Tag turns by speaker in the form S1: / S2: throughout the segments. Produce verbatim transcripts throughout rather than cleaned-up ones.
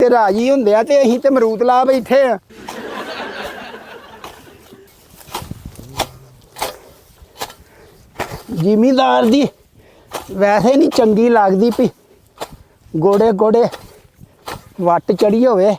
S1: ਤੇ ਰਾਜੀ ਹੁੰਦੇ ਆ ਤੇ ਅਸੀਂ ਤੇ ਅਮਰੂਦ ਲਾ ਬੈਠੇ ਆ। ਜ਼ਿਮੀਦਾਰ ਦੀ ਵੈਸੇ ਨਹੀਂ ਚੰਗੀ ਲੱਗਦੀ ਪਈ ਗੋੜੇ ਗੋੜੇ ਵੱਟ ਚੜੀ ਹੋਵੇ।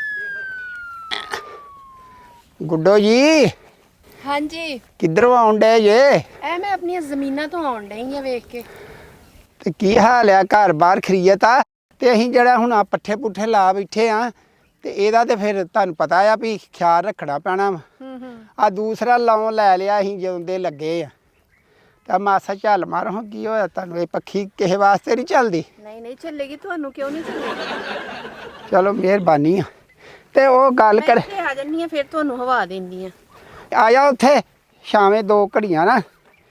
S1: ਗੁੱਡੋ ਜੀ
S2: हाँ जी
S1: ਕਿੱਧਰੋਂ ਆਉਣ ਡੇ ਜੇ?
S2: ए मैं अपनी जमीना तो आउन डई आ वेख के।
S1: ਤੇ ਕੀ ਹਾਲ ਆ? ਘਰ ਬਾਹਰ ਖਰੀਅਤ ਆ? ਤੇ ਅਸੀਂ ਜਿਹੜਾ ਹੁਣ ਆ ਪੱਠੇ ਪੁੱਠੇ ਲਾ ਬੈਠੇ ਆ ਤੇ ਇਹਦਾ ਤੇ ਫਿਰ ਤੁਹਾਨੂੰ ਪਤਾ ਆ ਵੀ ਖਿਆਲ ਰੱਖਣਾ ਪੈਣਾ ਵਾ।
S2: हम्म हम्म
S1: ਆ ਦੂਸਰਾ ਲਾਉਣ ਲੈ ਲਿਆ ਅਸੀਂ ਜਦੋਂ ਦੇ ਲੱਗੇ ਆ ਤਾਂ ਮਾਸਾ ਝੱਲ ਮਾਰੋ ਕੀ ਹੋਇਆ ਤੁਹਾਨੂੰ? ਇਹ ਪੱਖੀ ਕਿਸੇ ਵਾਸਤੇ ਨਹੀਂ ਚੱਲਦੀ?
S2: नहीं नहीं चलेगी ਤੁਹਾਨੂੰ क्यों नहीं चलेगी?
S1: ਚਲੋ ਮਿਹਰਬਾਨੀ ਆ। ਤੇ ਉਹ ਗੱਲ ਕਰ
S2: मैं इत्थे आ जन्नी आ फिर ਤੁਹਾਨੂੰ ਹਵਾ ਦਿੰਦੀ ਆ।
S1: ਆ ਜਾ ਉੱਥੇ ਸ਼ਾਮੇ ਦੋ ਘੜੀਆਂ ਨਾ।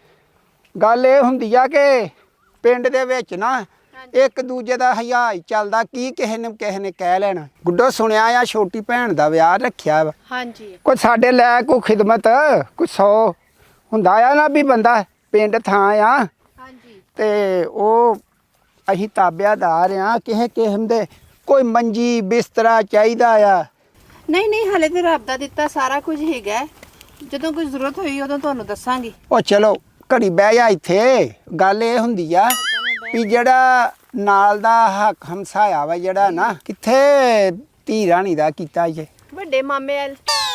S1: ਗੱਲ ਇਹ ਹੁੰਦੀ ਆ ਕਿ ਪਿੰਡ ਦੇ ਵਿੱਚ ਨਾ ਇੱਕ ਦੂਜੇ ਦਾ ਹਯਾਜ ਚੱਲਦਾ ਕੀ ਕਿਸੇ ਨੇ ਕਿਸੇ ਨੇ ਕਹਿ ਲੈਣਾ। ਗੁੱਡੋ ਸੁਣਿਆ ਆ ਛੋਟੀ ਭੈਣ ਦਾ ਵਿਆਹ ਰੱਖਿਆ ਵਾ।
S2: हाँ जी
S1: ਕੋਈ ਸਾਡੇ ਲੈ ਕੋਈ ਖਿਦਮਤ ਕੋਈ ਸੌ ਹੁੰਦਾ ਆ ਨਾ ਵੀ ਬੰਦਾ ਪਿੰਡ ਥਾਂ ਆ
S2: हाँ जी
S1: ਤੇ ਉਹ ਅਸੀਂ ਤਾਬਿਆਦਾਰ ਆ ਕਿਸੇ ਕਿਸਮ ਦੇ ਕੋਈ ਮੰਜੀ ਬਿਸਤਰਾ ਚਾਹੀਦਾ ਆ।
S2: नहीं नहीं ਹਲੇ ਤੇ ਰੱਬ ਦਾ ਦਿੱਤਾ ਸਾਰਾ ਕੁਝ ਹੈਗਾ। ਜਦੋਂ ਕੋਈ ਜ਼ਰੂਰਤ ਹੋਈ ਉਦੋਂ ਤੁਹਾਨੂੰ ਦੱਸਾਂਗੀ।
S1: ਉਹ ਚਲੋ ਘੜੀ ਬਹਿ ਜਾ ਇੱਥੇ। ਗੱਲ ਇਹ ਹੁੰਦੀ ਆ ਵੀ ਜਿਹੜਾ ਨਾਲ ਦਾ ਹੱਕ ਹਮਸਾਇਆ ਵਾ ਜਿਹੜਾ ਨਾ ਕਿੱਥੇ ਧੀ ਰਾਣੀ ਦਾ ਕੀਤਾ ਜੇ
S2: ਵੱਡੇ ਮਾਮੇ ਵਾਲ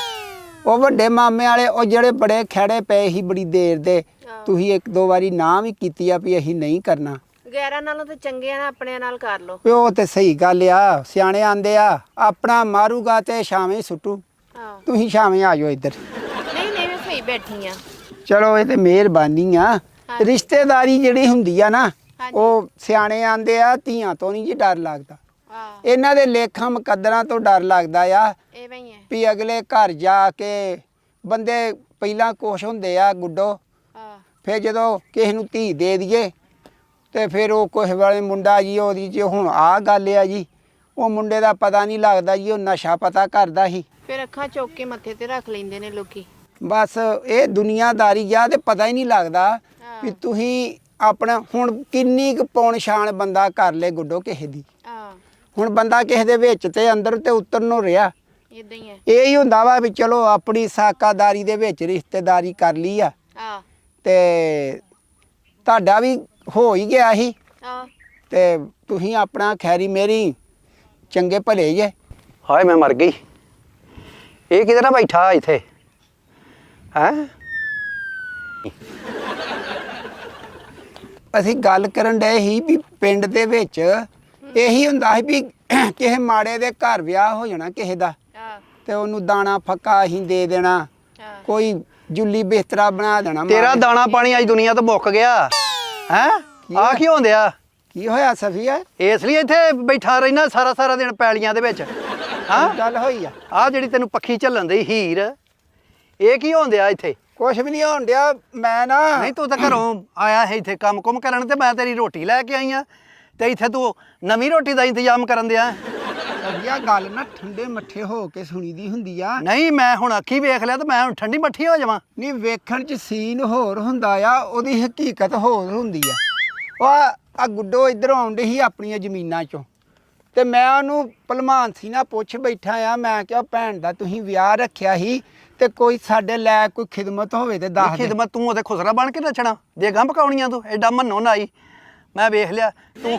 S1: ਉਹ ਵੱਡੇ ਮਾਮੇ ਵਾਲੇ ਉਹ ਜਿਹੜੇ ਬੜੇ ਖੜੇ ਪਏ ਸੀ ਬੜੀ ਦੇਰ ਦੇ। ਤੁਸੀਂ ਇੱਕ ਦੋ ਵਾਰੀ ਨਾ ਵੀ ਕੀਤੀ ਆ ਵੀ ਅਸੀਂ ਨਹੀਂ ਕਰਨਾ।
S2: ਗੈਰਾਂ ਨਾਲੋਂ ਤੇ ਚੰਗੇ ਆ ਆਪਣੇ ਨਾਲ ਕਰ ਲੋ।
S1: ਵੀ ਉਹ ਤੇ ਸਹੀ ਗੱਲ ਆ। ਸਿਆਣੇ ਆਂਦੇ ਆ ਆਪਣਾ ਮਾਰੂਗਾ ਤੇ ਛਾਵੇਂ ਸੁੱਟੂ।
S2: ਹਾਂ
S1: ਤੁਸੀਂ ਛਾਵੇਂ ਆ ਜਾਓ ਇੱਧਰ।
S2: ਨਹੀਂ ਨਹੀਂ ਮੈਂ ਸਹੀ ਬੈਠੀ ਆ।
S1: ਚਲੋ ਇਹ ਤੇ ਮਿਹਰਬਾਨੀ ਆ। ਰਿਸ਼ਤੇਦਾਰੀ ਜਿਹੜੀ ਹੁੰਦੀ ਆ ਨਾ ਉਹ ਸਿਆਣੇ ਆਂਦੇ ਆ ਧੀਆਂ ਤੋਂ ਨਹੀਂ ਜੀ ਡਰ ਲੱਗਦਾ।
S2: ਹਾਂ
S1: ਇਹਨਾਂ ਦੇ ਲੇਖਾਂ ਮੁਕੱਦਰਾਂ ਤੋਂ ਡਰ ਲੱਗਦਾ ਆ
S2: ਐਵੇਂ ਹੀ ਹੈ।
S1: ਵੀ ਅਗਲੇ ਘਰ ਜਾ ਕੇ ਬੰਦੇ ਪਹਿਲਾਂ ਕੁਛ ਹੁੰਦੇ ਆ ਗੁੱਡੋ।
S2: ਹਾਂ
S1: ਫਿਰ ਜਦੋਂ ਕਿਸੇ ਨੂੰ ਧੀ ਦੇ ਦਈਏ ਤੇ ਫਿਰ ਉਹ ਕਿਸੇ ਵਾਲੇ ਮੁੰਡਾ ਜੀ ਉਹਦੀ ਜੀ ਹੁਣ ਆਹ ਗੱਲ ਆ ਜੀ ਉਹ ਮੁੰਡੇ ਦਾ ਪਤਾ ਨਹੀਂ ਲੱਗਦਾ ਜੀ ਉਹ ਨਸ਼ਾ ਪਤਾ ਕਰਦਾ ਸੀ।
S2: ਫਿਰ ਅੱਖਾਂ ਚੁੱਕ ਕੇ ਮੱਥੇ ਤੇ ਰੱਖ ਲੈਂਦੇ ਨੇ ਲੋਕੀ।
S1: ਬਸ ਇਹ ਦੁਨੀਆਦਾਰੀ ਆ ਤੇ ਪਤਾ ਹੀ ਨਹੀਂ ਲੱਗਦਾ ਵੀ ਤੁਸੀਂ ਆਪਣਾ ਹੁਣ ਕਿੰਨੀ ਕੁ ਪੌਣ ਛਾਣ ਬੰਦਾ ਕਰ ਲੇ ਗੁੱਡੋ ਕਿਸੇ ਦੀ।
S2: ਹਾਂ
S1: ਹੁਣ ਬੰਦਾ ਕਿਸੇ ਦੇ ਵਿੱਚ ਤੇ ਅੰਦਰ ਤੇ ਉਤਰਨ ਨੂੰ ਰਿਹਾ।
S2: ਇਦਾਂ ਹੀ ਹੈ।
S1: ਇਹ ਹੀ ਹੁੰਦਾ ਵਾ ਵੀ ਚਲੋ ਆਪਣੀ ਸਾਕਾਦਾਰੀ ਦੇ ਵਿੱਚ ਰਿਸ਼ਤੇਦਾਰੀ ਕਰ ਲਈ ਆ
S2: ਹਾਂ
S1: ਤੇ ਤੁਹਾਡਾ ਵੀ ਹੋ ਹੀ ਗਿਆ ਸੀ
S2: ਹਾਂ
S1: ਤੇ ਤੁਸੀਂ ਆਪਣਾ ਖੈਰੀ ਮੇਰੀ ਚੰਗੇ ਭਲੇ ਜੇ।
S3: ਹਾਏ ਮੈਂ ਮਰ ਗਈ। ਇਹ ਕਿਧਰ ਨਾ ਬੈਠਾ ਇੱਥੇ ਹੈ?
S1: ਅਸੀਂ ਗੱਲ ਕਰਨ ਡਏ ਸੀ ਵੀ ਪਿੰਡ ਦੇ ਵਿੱਚ ਇਹੀ ਹੁੰਦਾ ਸੀ ਵੀ ਕਿਸੇ ਮਾੜੇ ਦੇ ਘਰ ਵਿਆਹ ਹੋ ਜਾਣਾ ਕਿਸੇ ਦਾ
S2: ਹਾਂ
S1: ਤੇ ਉਹਨੂੰ ਦਾਣਾ ਫੱਕਾ ਅਸੀਂ ਦੇ ਦੇਣਾ।
S2: ਹਾਂ
S1: ਕੋਈ ਜੁੱਲੀ ਬਿਸਤਰਾ ਬਣਾ ਦੇਣਾ।
S3: ਤੇਰਾ
S1: ਮਾੜੇ-
S3: ਦਾਣਾ ਪਾਣੀ ਅੱਜ ਦੁਨੀਆ ਤੋਂ ਮੁੱਕ ਗਿਆ ਹੈ? ਆ ਕੀ ਹੁੰਦਿਆ?
S1: ਕੀ ਹੋਇਆ ਸਫੀਆ?
S3: ਇਸ ਲਈ ਇੱਥੇ ਬੈਠਾ ਰਹਿਣਾ ਸਾਰਾ ਸਾਰਾ ਦਿਨ ਪੈਲੀਆਂ ਦੇ ਵਿੱਚ ਹਾਂ?
S1: ਗੱਲ ਹੋਈ ਆ?
S3: ਆ ਜਿਹੜੀ ਤੈਨੂੰ ਪੱਖੀ ਝੱਲਣ ਦੀ ਹੀਰ ਇਹ ਕੀ ਹੁੰਦਿਆ ਇੱਥੇ?
S1: ਕੁਛ ਵੀ ਨਹੀਂ ਹੋਣ ਡਿਆ। ਮੈਂ ਨਾ
S3: ਨਹੀਂ ਤੂੰ ਤਾਂ ਘਰੋਂ ਆਇਆ ਹੈ ਇੱਥੇ ਕੰਮ ਕੁਮ ਕਰਨ ਤੇ ਮੈਂ ਤੇਰੀ ਰੋਟੀ ਲੈ ਕੇ ਆਈ ਆ ਤੇ ਇੱਥੇ ਤੂੰ ਨਵੀਂ ਰੋਟੀ ਦਾ ਇੰਤਜ਼ਾਮ ਕਰਨ ਦਿਆ।
S1: ਸਫੀਆ ਗੱਲ ਨਾ ਠੰਡੇ ਮੱਠੇ ਹੋ ਕੇ ਸੁਣੀ ਦੀ ਹੁੰਦੀ ਆ।
S3: ਨਹੀਂ ਮੈਂ ਹੁਣ ਅੱਖੀ ਵੇਖ ਲਿਆ ਤੇ ਮੈਂ ਹੁਣ ਠੰਡੀ ਮੱਠੀ ਹੋ ਜਾਵਾਂ।
S1: ਨਹੀਂ ਵੇਖਣ ਚ ਸੀਨ ਹੋਰ ਹੁੰਦਾ ਆ ਉਹਦੀ ਹਕੀਕਤ ਹੋਰ ਹੁੰਦੀ ਆ। ਉਹ ਆ ਗੁੱਡੋ ਇੱਧਰੋਂ ਆਉਂਦੇ ਸੀ ਆਪਣੀਆਂ ਜ਼ਮੀਨਾਂ ਚੋਂ ਤੇ ਮੈਂ ਉਹਨੂੰ ਭਲਮਾਨ ਸੀ ਨਾ ਪੁੱਛ ਬੈਠਾ ਆ। ਮੈਂ ਕਿਹਾ ਭੈਣ ਦਾ ਤੁਸੀਂ ਵਿਆਹ ਰੱਖਿਆ ਸੀ ਤੇ ਕੋਈ ਸਾਡੇ ਲੈ ਕੋਈ ਖਿਦਮਤ ਹੋਵੇ ਤੇ ਦੱਸ ਦੇ।
S3: ਖਿਦਮਤ ਤੂੰ ਉਹਦੇ ਖੁਸਰਾ ਬਣ ਕੇ ਨੱਚਣਾ ਦੇ ਗੰਭ ਪਕਾਉਣੀਆਂ ਤੂੰ ਐਡਾ ਮੰਨੋ ਨਾ ਆਈ। ਮੈਂ ਵੇਖ ਲਿਆ ਤੂੰ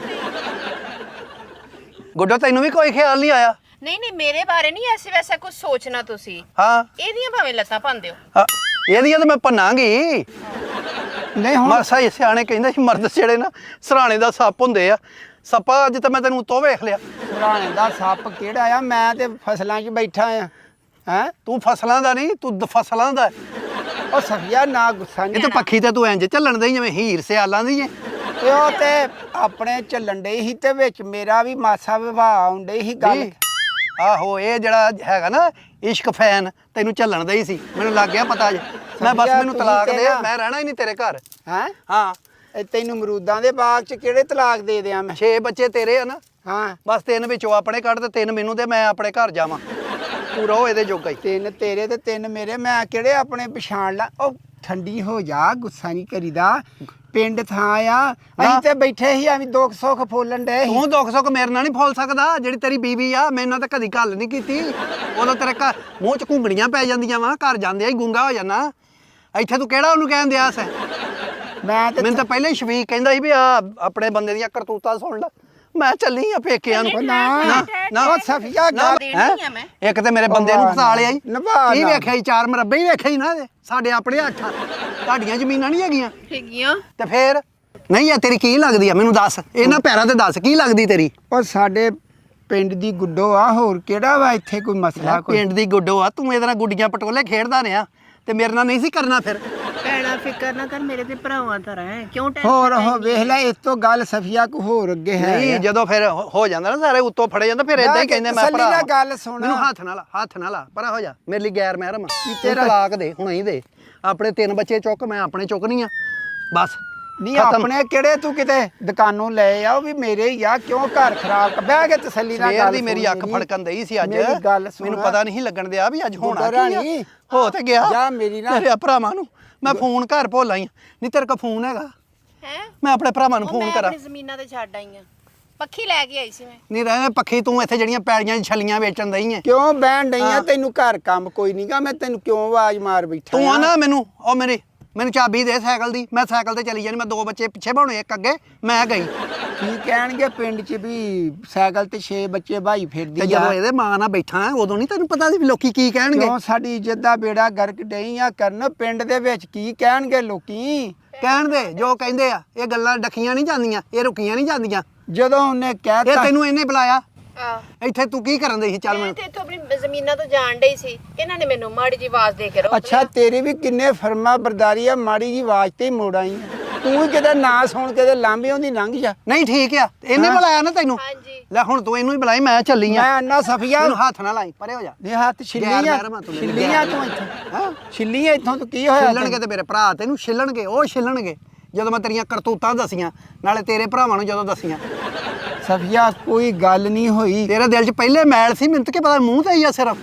S3: ਗੁੱਡੋ ਤੈਨੂੰ ਵੀ ਕੋਈ ਖਿਆਲ ਨਹੀਂ ਆਇਆ?
S2: ਨਹੀਂ ਨਹੀਂ ਮੇਰੇ ਬਾਰੇ ਨਹੀਂ ਐਸੇ ਵੈਸਾ ਕੁਝ ਸੋਚਣਾ ਤੁਸੀਂ।
S3: ਹਾਂ
S2: ਇਹਦੀਆਂ ਭਾਵੇਂ ਲੱਤਾਂ ਭੰਨ ਦਿਓ।
S3: ਹਾਂ, ਇਹਦੀਆਂ ਤਾਂ ਮੈਂ ਭੰਨਾਂਗੀ।
S1: ਨਹੀਂ ਹੁਣ
S3: ਮਾਸਾ ਹੀ ਸਿਆਣੇ ਕਹਿੰਦੇ ਸੀ ਮਰਦ ਜਿਹੜੇ ਨਾ ਸਰਾਣੇ ਦਾ ਸੱਪ ਹੁੰਦੇ ਆ। ਸੱਪਾ ਅੱਜ ਤਾਂ ਮੈਂ ਤੈਨੂੰ ਤੋਂ ਵੇਖ ਲਿਆ।
S1: ਪੁਰਾਣੇ ਦਾ ਸੱਪ ਕਿਹੜਾ ਆ? ਮੈਂ ਤੇ ਫਸਲਾਂ 'ਚ ਬੈਠਾ ਆ। ਹੈਂ
S3: ਤੂੰ ਫਸਲਾਂ ਦਾ ਨਹੀਂ ਤੂੰ ਦ- ਫਸਲਾਂ ਦਾ।
S1: ਉਹ ਸਫੀਆ ਨਾ ਗੁੱਸਾ
S3: ਇਹ
S1: ਨਹੀਂ।
S3: ਤਾਂ ਪੱਖੀ ਤੇ ਤੂੰ ਇੰਜ ਝੱਲਣ ਦੇ ਜਿਵੇਂ ਹੀਰ ਸਿਆਲਾਂ ਦੀ ਏ।
S1: ਤੇ ਉਹ ਤੇ ਆਪਣੇ ਚੱਲਣ ਡੇ ਸੀ ਤੇ ਵਿੱਚ ਮੇਰਾ ਵੀ ਮਾਸਾ ਵਿਵਾਹ ਆਉਂਦੇ ਸੀ ਗੱਲ।
S3: ਵੀ, ਆਹੋ ਇਹ ਜਿਹੜਾ ਹੈਗਾ ਨਾ ਇਸ਼ਕ ਫੈਨ ਤੈਨੂੰ ਝੱਲਣ ਦਾ ਹੀ ਸੀ। ਮੈਨੂੰ ਲੱਗ ਗਿਆ ਪਤਾ ਜੇ। ਮੈਂ ਬਸ
S1: ਸਮਝਿਆ
S3: ਮੈਨੂੰ
S1: ਤੁਸੀਂ
S3: ਤਲਾਕ
S1: ਤੇ
S3: ਦੇ
S1: ਨਾ।
S3: ਮੈਂ ਰਹਿਣਾ ਹੀ ਨਹੀਂ ਤੇਰੇ ਘਰ।
S1: ਹੈਂ
S3: ਹਾਂ
S1: ਇਹ ਤੈਨੂੰ ਅਮਰੂਦਾਂ ਦੇ ਬਾਗ 'ਚ ਕਿਹੜੇ ਤਲਾਕ ਦੇ ਦਿਆਂ ਮੈਂ?
S3: ਛੇ ਬੱਚੇ ਤੇਰੇ ਆ ਨਾ
S1: ਹਾਂ
S3: ਬਸ ਤਿੰਨ ਵਿੱਚੋਂ ਆਪਣੇ ਕੱਢ ਤੇ ਤਿੰਨ ਮੈਨੂੰ ਤੇ ਮੈਂ ਆਪਣੇ ਘਰ ਜਾਵਾਂ। ਤੂੰ ਰਹੋ ਇਹਦੇ ਜੋਗਾ ਹੀ।
S1: ਤਿੰਨ ਤੇਰੇ ਤੇ ਤਿੰਨ ਮੇਰੇ। ਮੈਂ ਕਿਹੜੇ ਆਪਣੇ ਪਛਾਣ ਲਾ। ਉਹ ਠੰਡੀ ਹੋ ਜਾ ਗੁੱਸਾ ਨਹੀਂ ਕਰੀਦਾ। ਪਿੰਡ ਥਾਂ ਆ ਅਸੀਂ ਤੇ ਬੈਠੇ ਸੀ ਐਵੇਂ ਦੁੱਖ ਸੁੱਖ ਫੋਲਣ ਡਏ ਸੀ
S3: ਤੂੰ ਦੁੱਖ ਸੁੱਖ ਮੇਰੇ ਨਾਲ ਨਹੀਂ ਫੋਲ ਸਕਦਾ ਜਿਹੜੀ ਤੇਰੀ ਬੀਵੀ ਆ ਮੇਰੇ ਨਾਲ ਤਾਂ ਕਦੀ ਗੱਲ ਨਹੀਂ ਕੀਤੀ ਉਦੋਂ ਤੇਰੇ ਘਰ ਮੂੰਹ 'ਚ ਘੁੰਗਣੀਆਂ ਪੈ ਜਾਂਦੀਆਂ ਵਾ ਘਰ ਜਾਂਦੇ ਹੀ ਗੁੰਗਾ ਹੋ ਜਾਣਾ ਇੱਥੇ ਤੂੰ ਕਿਹੜਾ ਉਹਨੂੰ ਕਹਿਣ ਦਿਆ ਸੈਂ
S1: ਮੈਂ ਤੇ
S3: ਮੈਨੂੰ ਤਾਂ ਪਹਿਲਾਂ ਹੀ ਸ਼ਵੀਕ ਕਹਿੰਦਾ ਸੀ ਵੀ ਆ ਆਪਣੇ ਬੰਦੇ ਦੀਆਂ ਕਰਤੂਤਾਂ ਸੁਣ ਲੈ ਮੈਂ ਚੱਲੀ ਆ ਪੇਕਿਆਂ ਨੂੰ
S1: ਨਾ
S3: ਨਾ
S1: ਉਹ ਸਫੀਆ ਗੱਲ
S2: ਦੇਣੀ ਆ ਮੈਂ
S3: ਇੱਕ ਤੇ ਮੇਰੇ ਬੰਦੇ ਨੂੰ ਫਸਾ ਲਿਆ ਈ
S1: ਨਿਭਾ
S3: ਕੀ
S1: ਨਾ।
S3: ਵੇਖਿਆ ਈ ਚਾਰ ਮਰੱਬੇ ਹੀ ਵੇਖਿਆ ਈ ਨਾ ਇਹਦੇ ਸਾਡੇ ਆਪਣੇ ਅੱਠ ਤੁਹਾਡੀਆਂ ਜ਼ਮੀਨਾਂ ਨਹੀਂ ਹੈਗੀਆਂ
S2: ਹੈਗੀਆਂ
S3: ਤੇ ਫੇਰ ਨਹੀਂ ਆ ਤੇਰੀ ਕੀ ਲੱਗਦੀ ਆ ਮੈਨੂੰ ਦੱਸ ਇਹਨਾਂ ਪੈਰਾਂ ਤੇ ਦੱਸ ਕੀ ਲੱਗਦੀ ਤੇਰੀ
S1: ਉਹ ਸਾਡੇ ਪਿੰਡ ਦੀ ਗੁੱਡੋ ਆ ਹੋਰ ਕਿਹੜਾ ਵਾ ਇੱਥੇ ਕੋਈ ਮਸਲਾ ਕੋਈ
S3: ਪਿੰਡ ਦੀ ਗੁੱਡੋ ਆ ਤੂੰ ਇਹਦੇ ਨਾਲ ਗੁੱਡੀਆਂ ਪਟੋਲੇ ਖੇਡਦਾ ਰਿਹਾ ਤੇ ਮੇਰੇ ਨਾਲ ਨਹੀਂ ਸੀ ਕਰਨਾ ਫਿਰ
S2: ਭੈਣਾ ਫਿਕਰ ਨਾ ਕਰ ਮੇਰੇ ਤੇ ਭਰਾਵਾਂ ਤਰ੍ਹਾਂ ਹੈ ਕਿਉਂ ਟੈਨਸ਼ਨ
S1: ਹੋਰ ਉਹ ਵੇਖ ਲੈ ਇਸ ਤੋਂ ਗੱਲ ਸਫੀਆ ਕੋ ਹੋਰ ਅੱਗੇ ਹੈ
S3: ਨਹੀਂ ਜਦੋਂ ਫਿਰ ਹੋ ਹੋ ਜਾਂਦਾ ਨਾ ਸਾਰੇ ਉੱਤੋਂ ਫੜੇ ਜਾਂਦਾ ਫਿਰ ਇਦਾਂ ਹੀ ਕਹਿੰਦੇ ਮੈਂ
S1: ਤਸੱਲੀ
S3: ਭਰਾ
S1: ਨਾਲ ਗੱਲ ਸੁਣ।
S3: ਮੈਨੂੰ ਹੱਥ ਨਾਲ ਹੱਥ ਨਾਲ ਪਰਾ ਹੋ ਜਾ ਮੇਰੇ ਲਈ ਗੈਰ ਮਹਿਰਮ ਕੀ
S1: ਤੇਰਾ-
S3: ਤਲਾਕ ਦੇ ਹੁਣ ਹੀ ਦੇ ਆਪਣੇ ਤਿੰਨ ਬੱਚੇ ਚੁੱਕ ਮੈਂ ਆਪਣੇ ਚੁੱਕਣੀ ਆ ਬਸ
S1: ਨਹੀਂ
S3: ਖਤਮ।
S1: ਆਪਣੇ ਕਿਹੜੇ ਤੂੰ ਕਿਤੇ ਦੁਕਾਨੋਂ ਲੈ ਆ ਉਹ ਵੀ ਮੇਰੇ ਹੀ ਆ ਕਿਉਂ ਘਰ ਖਰਾਬ ਕਰ- ਬਹਿ ਕੇ ਤਸੱਲੀ ਨਾਲ
S3: ਸਵੇਰ
S1: ਗੱਲ
S3: ਦੀ ਮੇਰੀ
S1: ਸੁਣ
S3: ਅੱਖ ਫੜਕਣ ਦਈ ਸੀ ਅੱਜ
S1: ਮੇਰੀ ਗੱਲ ਸੁਣ।
S3: ਮੈਨੂੰ ਪਤਾ ਨਹੀਂ ਲੱਗਣ ਦਿਆ ਵੀ ਅੱਜ ਹੋਣਾ
S1: ਗੁੱਡਾ
S3: ਕੀ ਆ।
S1: ਰਾਣੀ,
S3: ਹੋ ਤੇ ਗਿਆ
S1: ਜਾ ਮੇਰੀ ਨਾ-
S3: ਮੇਰੇ ਭਰਾਵਾਂ ਨੂੰ ਮੈਂ ਫੋਨ ਘਰ ਭੁੱਲ ਆਈ ਨਹੀਂ ਤੇਰੇ ਕੋਲ ਫੋਨ ਹੈਗਾ
S2: ਹੈ
S3: ਮੈਂ ਆਪਣੇ ਭਰਾਵਾਂ ਨੂੰ ਫੋਨ ਕਰਾਂ
S2: ਆਪਣੀ ਜ਼ਮੀਨਾਂ ਤੇ ਛੱਡ ਆਈ ਆ ਪੱਖੀ ਲੈ ਕੇ ਆਈ ਸੀ ਮੈਂ
S3: ਨਹੀਂ ਰਹਿ ਪੱਖੀ ਤੂੰ ਇੱਥੇ ਜਿਹੜੀਆਂ ਪੈੜੀਆਂ ਛਲੀਆਂ ਵੇਚਣ ਦਈ ਐ
S1: ਕਿਉਂ ਬਹਿਣ ਡਈ ਆ
S3: ਹਾਂ।
S1: ਤੈਨੂੰ ਘਰ ਕੰਮ ਕੋਈ ਨਹੀਂਗਾ ਮੈਂ ਤੈਨੂੰ ਕਿਉਂ ਆਵਾਜ਼ ਮਾਰ ਬੈਠਾ
S3: ਤੂੰ ਆ
S1: ਆਂ?
S3: ਨਾ ਮੈਨੂੰ ਉਹ ਮੇਰੀ ਮੈਨੂੰ ਚਾਬੀ ਦੇ ਸਾਈਕਲ ਦੀ ਮੈਂ ਸਾਈਕਲ ਤੇ ਚਲੀ ਜਾਣੀ ਮੈਂ ਦੋ ਬੱਚੇ ਪਿੱਛੇ ਭਾਉਣੇ ਇੱਕ ਅੱਗੇ ਮੈਂ ਗਈ
S1: ਕੀ ਕਹਿਣਗੇ ਪਿੰਡ 'ਚ ਵੀ ਸਾਈਕਲ ਤੇ ਛੇ ਬੱਚੇ ਭਾਈ
S3: ਤੇ
S1: ਫਿਰਦੀ ਆ
S3: ਜਦੋਂ ਇਹਦੇ ਮਾਂ ਨਾਲ ਬੈਠਾ ਉਦੋਂ ਨਹੀਂ ਤੈਨੂੰ ਪਤਾ ਸੀ ਵੀ ਲੋਕੀ ਕੀ ਕਹਿਣਗੇ
S1: ਕਿਉਂ ਸਾਡੀ ਇੱਜ਼ਤ ਦਾ ਬੇੜਾ ਗਰਕ ਡਈ ਆ ਕਰਨ ਪਿੰਡ ਦੇ ਵਿੱਚ ਕੀ ਕਹਿਣਗੇ ਲੋਕੀ
S3: ਕਹਿਣ ਦੇ ਜੋ ਕਹਿੰਦੇ ਆ ਇਹ ਗੱਲਾਂ ਡੱਕੀਆਂ ਨਹੀਂ ਜਾਂਦੀਆਂ ਇਹ ਰੁਕੀਆਂ ਨਹੀਂ ਜਾਂਦੀਆਂ
S1: ਜਦੋਂ ਉਹਨੇ
S3: ਇਹ
S1: ਕਹਿਤਾ
S3: ਤੈਨੂੰ ਇਹਨੇ ਬੁਲਾਇਆ
S2: ਆ
S3: ਇੱਥੇ ਤੂੰ ਕੀ ਕਰਨ ਦੇ ਸੀ ਚੱਲ
S2: ਮੈਂ
S3: ਮੈਨੂੰ
S2: ਤੇ ਇੱਥੋਂ ਆਪਣੀ ਜ਼ਮੀਨਾਂ ਤੋਂ ਜਾਣ ਡਈ ਸੀ ਇਹਨਾਂ ਨੇ ਮੈਨੂੰ ਮਾੜੀ ਜੀ ਆਵਾਜ਼ ਦੇ ਕੇ ਰੋਕ
S1: ਅੱਛਾ ਤੇਰੀ ਵੀ ਕਿੰਨੇ ਫਰਮਾ ਬਰਦਾਰੀ ਆ ਮਾੜੀ ਜੀ ਆਵਾਜ਼ ਤੇ ਹੀ ਮੋੜ ਆਈ ਆਂ। ਤੂੰ ਵੀ ਕਿਤੇ ਨਾਂ ਸੁਣ ਕੇ ਤੇ ਲਾਂਬੇ ਉਹਦੀ ਲੰਘ ਜਾ
S3: ਨਹੀਂ ਠੀਕ ਆ ਇਹਨੇ
S1: ਹਾਂ।
S3: ਬੁਲਾਇਆ ਨਾ ਤੈਨੂੰ
S2: ਹਾਂਜੀ
S3: ਲੈ ਹੁਣ ਤੂੰ ਇਹਨੂੰ ਹੀ ਬੁਲਾਈ ਮੈਂ ਚੱਲੀ ਆ
S1: ਮੈਂ ਅੰਨਾ ਸਫੀਆ
S3: ਮੈਨੂੰ ਹੱਥ ਨਾ ਲਾਈ ਪਰੇ ਹੋ ਜਾ
S1: ਨੇ ਹੱਥ
S3: ਗੈਰ
S1: ਛਿੱਲੀਆਂ
S3: ਮਹਿਰਮਾ ਤੂੰ ਮੇਰੇ
S1: ਛਿੱਲੀਆਂ
S3: ਗੈਰ
S1: ਤੂੰ ਇੱਥੋਂ
S3: ਹਾਂ
S1: ਛਿੱਲੀਆਂ ਇੱਥੋਂ ਤੂੰ ਕੀ ਹੋਇਆ
S3: ਛਿੱਲਣਗੇ ਤੇ ਮੇਰੇ ਭਰਾ ਤੈਨੂੰ ਛਿੱਲਣਗੇ ਉਹ ਛਿੱਲਣਗੇ ਜਦੋਂ ਮੈਂ ਤੇਰੀਆਂ ਕਰਤੂਤਾਂ ਦਸੀਆਂ ਨਾਲੇ ਤੇਰੇ ਭਰਾਵਾਂ ਨੂੰ ਜਦੋਂ ਦਸੀਆਂ
S1: ਸਫੀਆ ਕੋਈ ਗੱਲ ਨਹੀਂ ਹੋਈ
S3: ਤੇਰੇ ਦਿਲ 'ਚ ਪਹਿਲੇ ਮੈਲ ਸੀ ਮੈਨੂੰ ਤਾਂ ਕੀ ਪਤਾ ਮੂੰਹ ਤੇ ਹੀ ਆ ਸਿਰਫ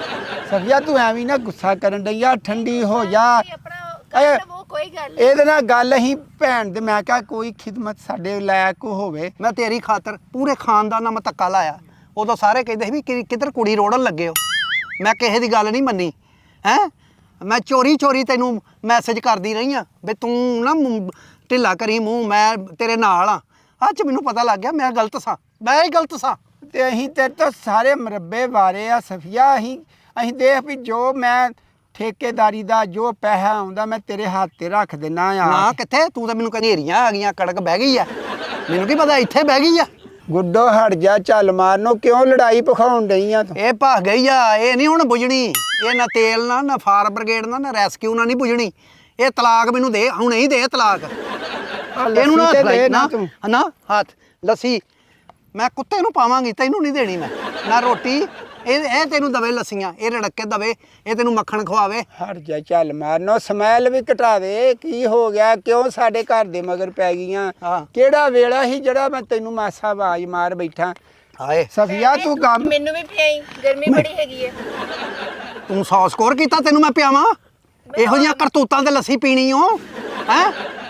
S1: ਸਫੀਆ ਤੂੰ ਐਵੇਂ ਨਾ ਗੁੱਸਾ ਕਰਨ ਡਈ ਆ ਠੰਡੀ ਹੋ ਜਾ
S2: ਆਪਣਾ ਕਰ ਲਵੋ ਕੋਈ ਗੱਲ ਨੀ।
S1: ਇਹਦੇ ਨਾਲ ਗੱਲ ਅਸੀਂ ਭੈਣ ਦੇ ਮੈਂ ਕਿਹਾ ਕੋਈ ਖਿਦਮਤ ਸਾਡੇ ਲਾਇਕ ਹੋਵੇ
S3: ਮੈਂ ਤੇਰੀ ਖਾਤਰ ਪੂਰੇ ਖਾਨਦਾਨ ਨਾਲ ਮੈਂ ਧੱਕਾ ਲਾਇਆ ਉਦੋਂ ਸਾਰੇ ਕਹਿੰਦੇ ਸੀ ਵੀ ਕਿ- ਕਿੱਧਰ ਕੁੜੀ ਰੋੜਨ ਲੱਗੇ ਹੋ ਮੈਂ ਕਿਸੇ ਦੀ ਗੱਲ ਨਹੀਂ ਮੰਨੀ ਹੈ ਮੈਂ ਚੋਰੀ ਚੋਰੀ ਤੈਨੂੰ ਮੈਸੇਜ ਕਰਦੀ ਰਹੀ ਆ ਵੀ ਤੂੰ ਨਾ ਮੂੰਹ ਢਿੱਲਾ ਕਰੀ ਮੂੰਹ ਮੈਂ ਤੇਰੇ ਨਾਲ ਆ ਅੱਜ ਮੈਨੂੰ ਪਤਾ ਲੱਗ ਗਿਆ ਮੈਂ ਗਲਤ ਸਾਂ ਮੈਂ ਹੀ ਗਲਤ ਸਾਂ
S1: ਤੇ ਅਸੀਂ ਤੇਰੇ ਤੋਂ ਸਾਰੇ ਮਰੱਬੇ ਵਾਰੇ ਆ ਸਫੀਆ ਅਸੀਂ ਅਸੀਂ ਦੇਖ ਵੀ ਜੋ ਮੈਂ ਠੇਕੇਦਾਰੀ ਦਾ ਜੋ ਪੈਸਾ ਆਉਂਦਾ ਮੈਂ ਤੇਰੇ ਹੱਥ ਤੇ ਰੱਖ ਦੇਣਾ ਆ
S3: ਨਾ ਕਿੱਥੇ ਤੂੰ ਤਾਂ ਮੈਨੂੰ ਘਨੇਰੀਆਂ ਆ ਗਈਆਂ ਕੜਕ ਬਹਿ ਗਈ ਆ ਮੈਨੂੰ ਕੀ ਪਤਾ ਇੱਥੇ ਬਹਿ ਗਈ ਆ
S1: ਗੁੱਡੋ ਹਟ ਜਾ ਚੱਲ ਮਾਰਨੋ ਕਿਉਂ ਲੜਾਈ ਪਖਾਉਣ ਡਈ ਆ ਤੂੰ
S3: ਇਹ ਭੱਗ ਗਈ ਆ ਇਹ ਨਹੀਂ ਹੁਣ ਬੁਝਣੀ ਇਹ ਨਾ ਤੇਲ ਨਾ ਨਾ ਫਾਇਰ ਬ੍ਰਿਗੇਡ ਨਾ ਨਾ ਰੈਸਕਿਊ ਨਾ ਨਹੀਂ ਬੁਝਣੀ ਇਹ ਤਲਾਕ ਮੈਨੂੰ ਦੇ ਹੁਣ ਹੀ ਦੇ ਤਲਾਕ ਇਹਨੂੰ ਨਾ
S1: ਲੱਸੀ ਤੇ
S3: ਹੱਥ ਲਾਈ
S1: ਦੇ
S3: ਨਾ
S1: ਤੂੰ
S3: ਨਾ ਹੱਥ ਲੱਸੀ ਮੈਂ ਕੁੱਤੇ ਨੂੰ ਪਾਵਾਂਗੀ ਤੈਨੂੰ ਨਹੀਂ ਦੇਣੀ ਮੈਂ ਨਾ ਰੋਟੀ ਇਹ ਇਹ ਤੈਨੂੰ ਦਵੇ ਲੱਸੀਆਂ ਇਹ ਰੜਕ ਕੇ ਦਵੇ ਇਹ ਤੈਨੂੰ ਮੱਖਣ ਖਵਾਵੇ
S1: ਹਟ ਜਾ ਚੱਲ ਮਾਰਨੋ ਸਮੈਲ ਵੀ ਘਟਾ ਦੇ ਕੀ ਹੋ ਗਿਆ ਕਿਉਂ ਸਾਡੇ ਘਰ ਦੇ ਮਗਰ ਪੈ ਗਈਆਂ
S3: ਹਾਂ।
S1: ਕਿਹੜਾ ਵੇਲਾ ਸੀ ਜਿਹੜਾ ਮੈਂ ਤੈਨੂੰ ਮਾਸਾ ਆਵਾਜ਼ ਮਾਰ ਬੈਠਾ
S3: ਹਾਏ
S1: ਸਫੀਆ ਤੂੰ ਕੰਮ
S2: ਮੈਨੂੰ ਵੀ ਪਿਆਈ ਗਰਮੀ ਬੜੀ ਹੈਗੀ ਹੈ
S3: ਤੂੰ ਸੌ ਸਕੋਰ ਕੀਤਾ ਤੈਨੂੰ ਮੈਂ ਪਿਆਵਾਂ ਇਹੋ ਜਿਹੀਆਂ ਕਰਤੂਤਾਂ ਤੇ ਲੱਸੀ ਪੀਣੀ ਓ ਹੈ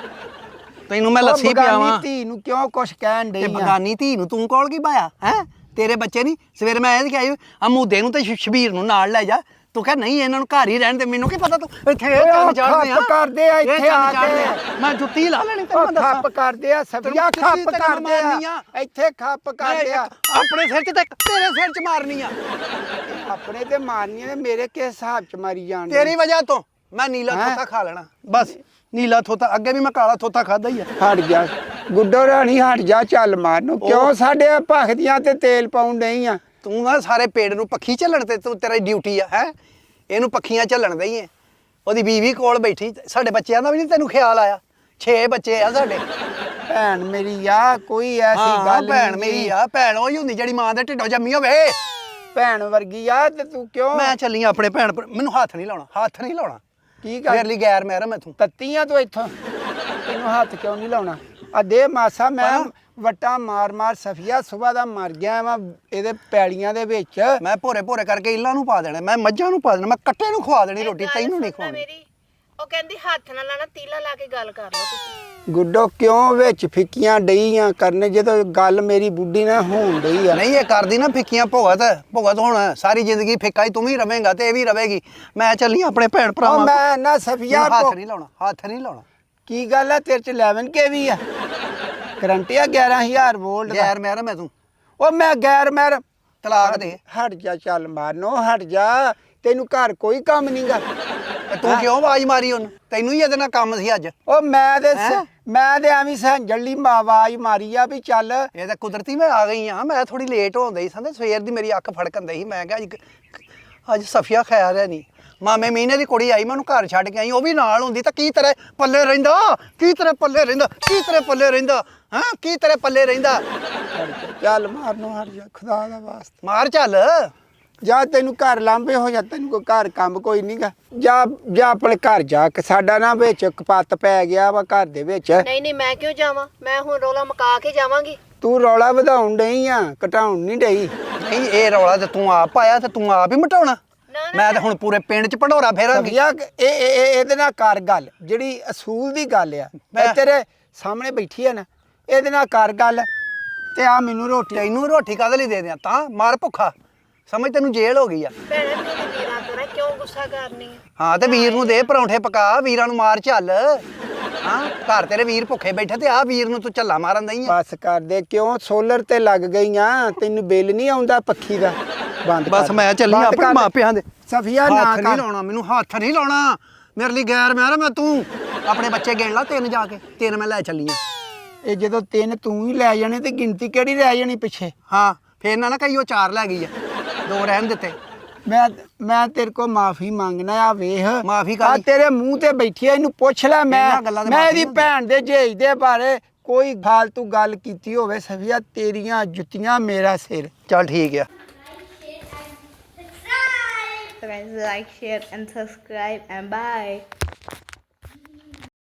S3: ਤੈਨੂੰ ਮੈਂ
S1: ਉਹ
S3: ਲੱਸੀ
S1: ਬਗਾਨੀ
S3: ਪਿਆਵਾਂ
S1: ਧੀ ਨੂੰ ਕਿਉਂ ਕੁਛ ਕਹਿਣ
S3: ਤੇ
S1: ਡਈ ਆ
S3: ਬਗਾਨੀ ਧੀ ਨੂੰ ਤੂੰ ਕੋਲ ਕੀ ਪਾਇਆ ਹੈ ਤੇਰੇ ਬੱਚੇ ਨਹੀਂ ਸਵੇਰੇ ਮੈਂ ਇਹ ਕਿਹਾ ਅਮੂਦੇ ਨੂੰ ਤੇ ਸ਼- ਸ਼ਬੀਰ ਨੂੰ ਨਾਲ ਲੈ ਜਾ ਤੂੰ ਕਹ ਨਹੀਂ ਇਹਨਾਂ ਨੂੰ ਘਰ ਹੀ ਰਹਿਣ ਦੇ ਮੈਨੂੰ ਕੀ ਪਤਾ ਤੂੰ ਇੱਥੇ ਇਹ
S1: ਓਏ
S3: ਚੰਨ
S1: ਉਹ
S3: ਚੜ੍ਹਦੇ ਆ
S1: ਖੱਪ ਕਰਦੇ ਆ
S3: ਇਹ
S1: ਇੱਥੇ
S3: ਚੰਨ
S1: ਆ
S3: ਚੜ੍ਹਦੇ
S1: ਕੇ।
S3: ਆ। ਮੈਂ ਜੁੱਤੀ ਲਾ ਲੈਣੀ ਤੈਨੂੰ
S1: ਉਹ
S3: ਮੈਂ ਦੱਸਾਂ
S1: ਖੱਪ ਕਰਦੇ ਆ ਸਫੀਆ
S3: ਤੈਨੂੰ
S1: ਖੱਪ
S3: ਜੁੱਤੀ ਤੈਨੂੰ
S1: ਕਰਦੇ
S3: ਮਾਰਨੀ
S1: ਆ
S3: ਆ।
S1: ਇੱਥੇ ਖੱਪ
S3: ਮੈਂ
S1: ਕਰਦੇ ਆ
S3: ਇੱਕ ਆਪਣੇ ਸਿਰ 'ਚ ਤੇ ਇੱਕ ਤੇਰੇ ਸਿਰ 'ਚ ਮਾਰਨੀ ਆ
S1: ਆਪਣੇ ਤੇ ਮਾਰਨੀਆਂ ਨੇ ਮੇਰੇ ਕਿਸ ਹਿਸਾਬ ਚ ਮਾਰੀ ਜਾਣ
S3: ਤੇਰੀ ਵਜ੍ਹਾ ਤੋਂ ਮੈਂ ਨੀਲਾ
S1: ਹੈਂ?
S3: ਥੋਤਾ ਖਾ ਲੈਣਾ ਬਸ ਨੀਲਾ ਥੋਤਾ ਅੱਗੇ ਵੀ ਮੈਂ ਕਾਲਾ ਥੋਤਾ ਖਾਦਾ ਹੀ ਆ
S1: ਹਟ ਜਾ ਗੁੱਡੋ ਰਾਣੀ ਹਟ ਜਾ ਚੱਲ ਮਾਰਨੋ ਕਿਉਂ ਸਾਡੇ ਭਖਦੀਆਂ ਤੇ ਤੇਲ ਪਾਉਣ ਨਹੀਂ ਆ
S3: ਤੂੰ ਨਾ ਸਾਰੇ ਪੇੜ ਨੂੰ ਪੱਖੀ ਝੱਲਣ ਤੇ ਤੂੰ ਤੇਰੀ ਡਿਊਟੀ ਆ ਹੈ ਇਹਨੂੰ ਪੱਖੀਆਂ ਝੱਲਣ ਦਈ ਏ ਉਹਦੀ ਬੀਵੀ ਕੋਲ ਬੈਠੀ ਸਾਡੇ ਬੱਚਿਆਂ ਦਾ ਵੀ ਨਹੀਂ ਤੈਨੂੰ ਖਿਆਲ ਆਇਆ ਛੇ ਬੱਚੇ ਆ ਸਾਡੇ
S1: ਭੈਣ ਮੇਰੀ ਆ ਕੋਈ ਐਸੀ
S3: ਹਾਂ
S1: ਗੱਲ
S3: ਭੈਣ
S1: ਨੀ
S3: ਮੇਰੀ ਆ ਭੈਣ ਉਹੀ ਹੁੰਦੀ ਜਿਹੜੀ ਮਾਂ ਦੇ ਢਿੱਡੋਂ ਜੰਮੀ ਹੋਵੇ
S1: ਭੈਣ ਵਰਗੀ ਆ ਤੇ ਤੂੰ ਕਿਉਂ
S3: ਮੈਂ ਚੱਲੀ ਆਂ ਆਪਣੇ ਭੈਣ ਭਰਾ- ਮੈਨੂੰ ਹੱਥ ਨਹੀਂ ਲਾਉਣਾ ਹੱਥ ਨਹੀਂ ਲਾਉਣਾ
S1: ਕੀ
S3: ਮੇਰੇ
S1: ਕਰ
S3: ਲਈ ਗੈਰ ਮਹਿਰਮ ਹੈ ਤੂੰ
S1: ਤੱਤੀਆਂ ਤੂੰ ਇੱਥੋਂ ਤੈਨੂੰ ਹੱਥ ਕਿਉਂ ਨਹੀਂ ਲਾਉਣਾ ਆ ਦੇ ਮਾਸਾ ਮੈਂ
S3: ਹਾਂ।
S1: ਵਟਾ ਮਾਰ ਮਾਰ ਸਫੀਆ ਸੁਬਾ ਦਾ ਮਰ ਗਿਆ ਵਾ ਇਹਦੇ ਪੈਲੀਆਂ ਦੇ ਵਿੱਚ
S3: ਮੈਂ ਭੋਰੇ ਭੋਰੇ ਕਰਕੇ ਇੱਲਾਂ ਨੂੰ ਪਾ ਦੇਣਾ ਮੈਂ ਮੱਝਾਂ ਨੂੰ ਪਾ ਦੇਣਾ ਮੈਂ ਕੱਟੇ ਨੂੰ ਖਵਾ ਦੇਣੀ ਰੋਟੀ
S2: ਗੱਲ
S3: ਤੈਨੂੰ ਨਹੀਂ
S2: ਸੁਣਨਾ
S3: ਖਵਾਉਣੀ
S2: ਮੇਰੀ ਉਹ ਕਹਿੰਦੀ ਹੱਥ ਨਾਲ ਲਾਣਾ ਤੀਲਾ ਲਾ ਕੇ ਗੱਲ ਕਰ ਲਓ ਤੁਸੀਂ
S1: ਗੁੱਡੋ ਕਿਉਂ ਵਿੱਚ ਫਿੱਕੀਆਂ ਡਈਆਂ ਕਰਨ ਜਦੋਂ ਗੱਲ ਮੇਰੀ ਬੁੱਢੀ ਨਾਲ ਹੋਣ ਡਈ ਆ।
S3: ਨਹੀਂ ਇਹ ਕਰਦੀ ਨਾ ਫਿੱਕੀਆਂ ਭੁਗਤ ਭੁਗਤ ਹੁਣ ਸਾਰੀ ਜ਼ਿੰਦਗੀ ਫਿੱਕਾ ਹੀ ਤੂੰ ਵੀ ਰਵੇਂਗਾ ਤੇ ਇਹ ਵੀ ਰਵੇਗੀ। ਮੈਂ ਚੱਲੀ ਆਪਣੇ ਭੈਣ
S1: ਉਹ
S3: ਭਰਾਵਾਂ ਕੋਲ।
S1: ਮੈਂ ਨਾ ਸਫੀਆ
S3: ਮੈਨੂੰ ਹੱਥ
S1: ਕੋ
S3: ਨਹੀਂ ਲਾਉਣਾ ਹੱਥ ਨਹੀਂ ਲਾਉਣਾ।
S1: ਕੀ ਗੱਲ ਆ ਤੇਰੇ ਚ ਇਲੈਵਨ ਕੇ ਵੀ ਆ ਕਰੰਟ ਆ ਗਿਆਰਾਂ ਹਜ਼ਾਰ ਵੋਲਟ ਦਾ।
S3: ਗੈਰ ਮਹਿਰਮ ਮੈਂ ਤੂੰ
S1: ਉਹ ਮੈਂ ਗੈਰ ਮਹਿਰ
S3: ਤਲਾਕ ਦੇ।
S1: ਹਟ ਜਾ ਚੱਲ ਮਾਰਨੋ ਹਟ ਜਾ ਤੈਨੂੰ ਘਰ ਕੋਈ ਕੰਮ ਨਹੀਂਗਾ।
S3: ਤੇ ਤੂੰ ਕਿਉਂ ਆਵਾਜ਼ ਮਾਰੀ ਉਹਨੂੰ? ਤੈਨੂੰ ਹੀ ਇਹਦੇ ਨਾਲ ਕੰਮ ਸੀ ਅੱਜ।
S1: ਉਹ ਮੈਂ ਤੇ
S3: ਹੈਂ?
S1: ਮੈਂ ਤੇ ਐਵੇਂ ਸੰਜਲੀ ਆਵਾਜ਼ ਮਾਰੀ ਆ ਵੀ ਚੱਲ
S3: ਇਹ ਤਾਂ ਕੁਦਰਤੀ ਮੈਂ ਆ ਗਈ ਆ। ਮੈਂ ਥੋੜੀ ਲੇਟ ਹੋਉਂਦੀ ਸੀ ਸੰਦੇ ਸਵੇਰ ਦੀ ਮੇਰੀ ਅੱਖ ਫੜਕਣ ਦਈ ਸੀ। ਮੈਂ ਕਿਹਾ ਅੱਜ ਅੱਜ ਸਫੀਆ ਖਿਆ ਰਿਆ ਨਹੀਂ। ਮਾਮੇ ਮੀਨੇ ਦੀ ਕੁੜੀ ਆਈ ਮੈਂ ਉਹਨੂੰ ਘਰ ਛੱਡ ਕੇ ਆਈ। ਉਹ ਵੀ ਨਾਲ ਹੁੰਦੀ ਤਾਂ ਕੀ ਤੇਰੇ ਪੱਲੇ ਰਹਿੰਦਾ ਕੀ ਤੇਰੇ ਪੱਲੇ ਰਹਿੰਦਾ ਕੀ ਤੇਰੇ ਪੱਲੇ ਰਹਿੰਦਾ ਹਾਂ ਕੀ ਤੇਰੇ ਪੱਲੇ ਰਹਿੰਦਾ।
S1: ਚੱਲ ਮਾਰਨੋ ਹਟ ਜਾ ਖੁਦਾ ਦਾ ਵਾਸਤਾ
S3: ਮਾਰ ਚੱਲ।
S1: ਜਾ ਤੈਨੂੰ ਘਰ ਲਾਂਬੇ ਹੋ ਜਾ ਤੈਨੂੰ ਕੋਈ ਘਰ ਕੰਮ ਕੋਈ ਨਹੀਂਗਾ। ਜਾ ਜਾ ਆਪਣੇ ਘਰ ਜਾ ਕੇ ਸਾਡਾ ਨਾ ਵਿੱਚ ਕਪੱਤ ਪੈ ਗਿਆ ਵਾ ਘਰ ਦੇ ਵਿੱਚ।
S2: ਨਹੀਂ ਨਹੀਂ ਮੈਂ ਕਿਉਂ ਜਾਵਾਂ? ਮੈਂ ਹੁਣ ਰੋਲਾ ਮਕਾ ਕੇ ਜਾਵਾਂਗੀ।
S1: ਤੂੰ ਰੌਲਾ ਵਧਾਉਣ ਡਈ ਆ ਘਟਾਉਣ ਨਹੀਂ ਡਈ।
S3: ਨਹੀਂ ਇਹ ਰੌਲਾ ਤੇ ਤੂੰ ਆਪ ਪਾਇਆ ਤੇ ਤੂੰ ਆਪ ਹੀ ਮਟਾਉਣਾ। ਮੈਂ ਤਾਂ ਹੁਣ ਪੂਰੇ ਪਿੰਡ 'ਚ ਭੰਡੋਰਾ ਫੇਰਾਂਗੀ।
S1: ਸਫੀਆ ਇਹ ਇਹ- ਇਹ- ਇਹਦੇ ਨਾਲ ਕਰ ਗੱਲ ਜਿਹੜੀ ਅਸੂਲ ਦੀ ਗੱਲ ਆ ਮੈਂ
S3: ਮੈਂ-
S1: ਤੇਰੇ ਸਾਹਮਣੇ ਬੈਠੀ ਆ ਨਾ ਇਹਦੇ ਨਾਲ ਕਰ ਗੱਲ ਤੇ ਆ ਮੈਨੂੰ ਰੋਟੀ
S3: ਤੈਨੂੰ ਰੋਟੀ ਕਾਹਦੇ ਲਈ ਦੇ ਦਿਆਂ ਤਾਂ ਮਾਰ ਭੁੱਖਾ ਸਮਝ ਤੈਨੂੰ ਜੇਲ੍ਹ ਹੋ ਗਈ ਆ।
S2: ਭੈਣੇ ਮੇਰੇ ਵੀਰਾਂ ਤੋਂ ਨਾ ਕਿਉਂ ਗੁੱਸਾ ਕਰਨੀ ਹੈ?
S3: ਹਾਂ ਤੇ ਵੀਰ ਨੂੰ ਦੇ ਪਰੌਂਠੇ ਪਕਾ ਵੀਰਾਂ ਨੂੰ ਮਾਰ ਚੱਲ। ਹਾਂ ਘਰ ਤੇਰੇ ਵੀਰ ਭੁੱਖੇ ਬੈਠੇ ਤੇ ਆ ਵੀਰ ਨੂੰ ਤੂੰ ਝੱਲਾ ਮਾਰਨ ਦਈ ਆ।
S1: ਬਸ ਕਰ ਦੇ ਕਿਉਂ ਸੋਲਰ ਤੇ ਲੱਗ ਗਈਆਂ ਤੈਨੂੰ ਬਿੱਲ ਨਹੀਂ ਆਉਂਦਾ ਪੱਖੀ ਦਾ ਬੰਦ
S3: ਬਸ
S1: ਕਰ।
S3: ਮੈਂ ਚੱਲੀ
S1: ਬੰਦ
S3: ਆਪਣੇ
S1: ਕਰ।
S3: ਮਾਪਿਆਂ ਦੇ।
S1: ਸਫੀਆ ਨਾ
S3: ਹੱਥ ਨਹੀਂ
S1: ਕਰ
S3: ਲਾਉਣਾ ਮੈਨੂੰ ਹੱਥ ਨਹੀਂ ਲਾਉਣਾ ਮੇਰੇ ਲਈ ਗੈਰ ਮੈਂ ਮੈਂ ਤੂੰ ਆਪਣੇ ਬੱਚੇ ਗਿਣ ਲਾ ਤਿੰਨ ਜਾ ਕੇ ਤਿੰਨ ਮੈਂ ਲੈ ਚੱਲੀ ਆ।
S1: ਇਹ ਜਦੋਂ ਤਿੰਨ ਤੂੰ ਹੀ ਲੈ ਜਾਣੇ ਤੇ ਗਿਣਤੀ ਕਿਹੜੀ ਰਹਿ ਜਾਣੀ ਪਿੱਛੇ।
S3: ਹਾਂ ਫੇਰ ਨਾ ਨਾ ਕਹੀ ਉਹ ਚਾਰ ਲੈ ਗਈ ਆ ਦੋ ਰਹਿਣ ਦਿੱਤੇ।
S1: ਮੈਂ ਮੈਂ ਤੇਰੇ ਕੋ ਮਾਫੀ ਮੰਗਣਾ ਆ ਵੇਖ
S3: ਮਾਫ਼ੀ
S1: ਆ
S3: ਕਾਹਦੀ?
S1: ਤੇਰੇ ਮੂੰਹ ਤੇ ਬੈਠੀ ਆ ਇਹਨੂੰ ਪੁੱਛ ਲੈ ਮੈਂ
S3: ਇਹਨਾਂ ਗੱਲਾਂ ਤੇ
S1: ਮੈਂ
S3: ਮਾਫ਼ੀ
S1: ਇਹਦੀ
S3: ਨਹੀਂ
S1: ਭੈਣ ਦੇ ਜੇਜ ਦੇ ਬਾਰੇ ਕੋਈ ਫਾਲਤੂ ਗੱਲ ਕੀਤੀ ਹੋਵੇ ਸਫੀਆ ਤੇਰੀਆਂ ਜੁੱਤੀਆਂ ਮੇਰਾ ਸਿਰ।
S3: ਚੱਲ ਠੀਕ ਆ।
S4: So guys, like, share and subscribe and bye.